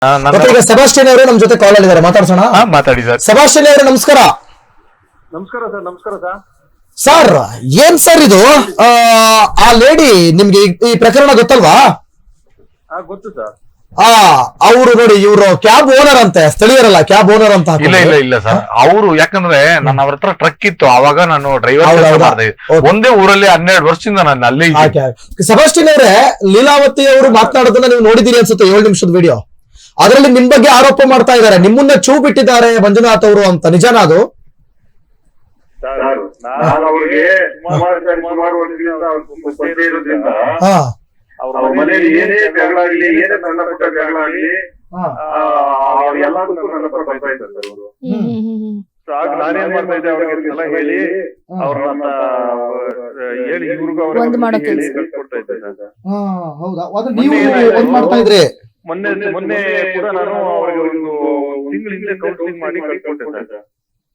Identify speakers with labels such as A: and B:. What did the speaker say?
A: ಮತ್ತೆ ಈಗ ಸೆಬಾಸ್ಟಿಯನ್ ಅವರು ನಮ್ ಜೊತೆ ಕಾಲ್ ಆಗಿದ್ದಾರೆ, ಮಾತಾಡ್ಸೋಣ.
B: ಮಾತಾಡಿ ಸರ್.
A: ಸೆಬಾಸ್ಟಿಯನ್ ಅವರೇ ನಮಸ್ಕಾರ.
C: ನಮಸ್ಕಾರ ಸರ್. ನಮಸ್ಕಾರ ಸರ್.
A: ಸರ್ ಏನ್ ಸರ್ ಇದು, ಆ ಲೇಡಿ ನಿಮ್ಗೆ ಈ ಪ್ರಕರಣ ಗೊತ್ತಲ್ವಾ?
C: ಗೊತ್ತು ಸರ್.
A: ಅವರು ನೋಡಿ, ಇವರು ಕ್ಯಾಬ್ ಓನರ್ ಅಂತೆ, ಸ್ಥಳೀಯರಲ್ಲ, ಕ್ಯಾಬ್ ಓನರ್ ಅಂತ.
B: ಇಲ್ಲ ಸರ್, ಅವರು ಯಾಕಂದ್ರೆ ನನ್ನ ಅವ್ರ ಹತ್ರ ಟ್ರಕ್ ಇತ್ತು, ಅವಾಗ ನಾನು ಡ್ರೈವರ್ ಮಾಡ್ದೆ. ಒಂದೇ ಊರಲ್ಲಿ 12 ವರ್ಷದಿಂದ ನಾನು ಅಲ್ಲೇ.
A: ಸೆಬಾಸ್ಟಿಯನ್ ಅವರೇ, ಲೀಲಾವತಿ ಅವರು ಮಾತನಾಡೋದನ್ನ ನೀವು ನೋಡಿದೀರಿ ಅನ್ಸುತ್ತೆ, 7 ನಿಮಿಷದ ವಿಡಿಯೋ. ಅದರಲ್ಲಿ ನಿಮ್ ಬಗ್ಗೆ ಆರೋಪ ಮಾಡ್ತಾ ಇದ್ದಾರೆ, ನಿಮ್ಮನ್ನ ಚೂ ಬಿಟ್ಟಿದ್ದಾರೆ ಮಂಜುನಾಥ್ ಅವರು ಅಂತ. ನಿಜಾನ ಅದು?
C: ಅವ್ರ ಮನೆಯಲ್ಲಿ ಏನೇ ಜಗಳ ಆಗ್ಲಿ, ಏನೇ ಸಣ್ಣ ಪುಟ್ಟ ಜಗಳ ಆಗ್ಲಿ, ಎಲ್ಲದಕ್ಕೂ ನನ್ನ ಹತ್ರ ಬರ್ತಾ ಇದ್ದಾರೆ ಅವರು. ನಾನೇನ್ ಮಾಡ್ತಾ ಇದ್ದೆ, ಅವ್ರಿಗೆಲ್ಲ ಹೇಳಿ ಅವ್ರನ್ನ ಹೇಳಿ ಇವ್ರಿಗೂ ಅವ್ರಿಗೆ ಹೇಳಿ ಕಳ್ಸಿಕೊಡ್ತಾ ಇದ್ದೆ ಸರ್. ಮೊನ್ನೆ ಕೂಡ ನಾನು ಅವ್ರಿಗೆ ಒಂದು ತಿಂಗಳ ಹಿಂದೆ ಕೌನ್ಸಿಲಿಂಗ್ ಮಾಡಿ ಕಳ್ಸಿಕೊಟ್ಟೆ ಸರ್.